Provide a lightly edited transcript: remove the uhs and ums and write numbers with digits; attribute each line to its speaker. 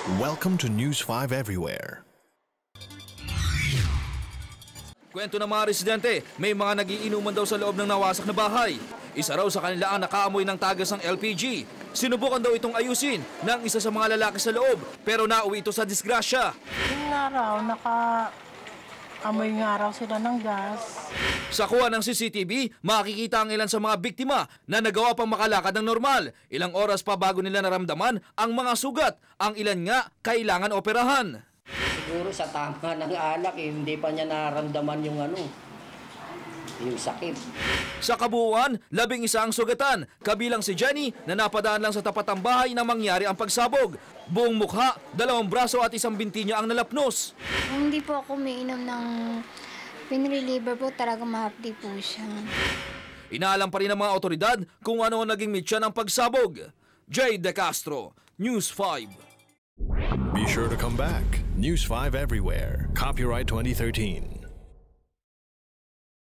Speaker 1: Welcome to News 5 Everywhere.
Speaker 2: Kwento ng mga residente, may mga nagiinuman daw sa loob ng nawasak na bahay. Isa raw sa kanila ang nakaamoy ng tagas ng LPG. Sinubukan daw itong ayusin ng isa sa mga lalaki sa loob, pero nauwi ito sa disgrasya.
Speaker 3: Yung nga raw, naka-amoy nga raw sila ng gas.
Speaker 2: Sa kuha ng CCTV, makikita ang ilan sa mga biktima na nagawa pang makalakad ng normal. Ilang oras pa bago nila naramdaman ang mga sugat. Ang ilan nga kailangan operahan.
Speaker 4: Siguro sa tama ng alak, hindi pa niya nararamdaman yung sakit.
Speaker 2: Sa kabuuan, 11 ang sugatan, kabilang si Jenny na napadaan lang sa tapat ng bahay na mangyari ang pagsabog. Buong mukha, 2 braso at 1 binti niya ang nalapnos.
Speaker 5: Kung hindi po ako umiinom ng pain reliever po, talaga mahapdi po siya.
Speaker 2: Inaalam pa rin ng mga otoridad kung ano naging mitya ng pagsabog. Jay De Castro, News 5.
Speaker 1: Be sure to come back. News 5 Everywhere. Copyright 2013.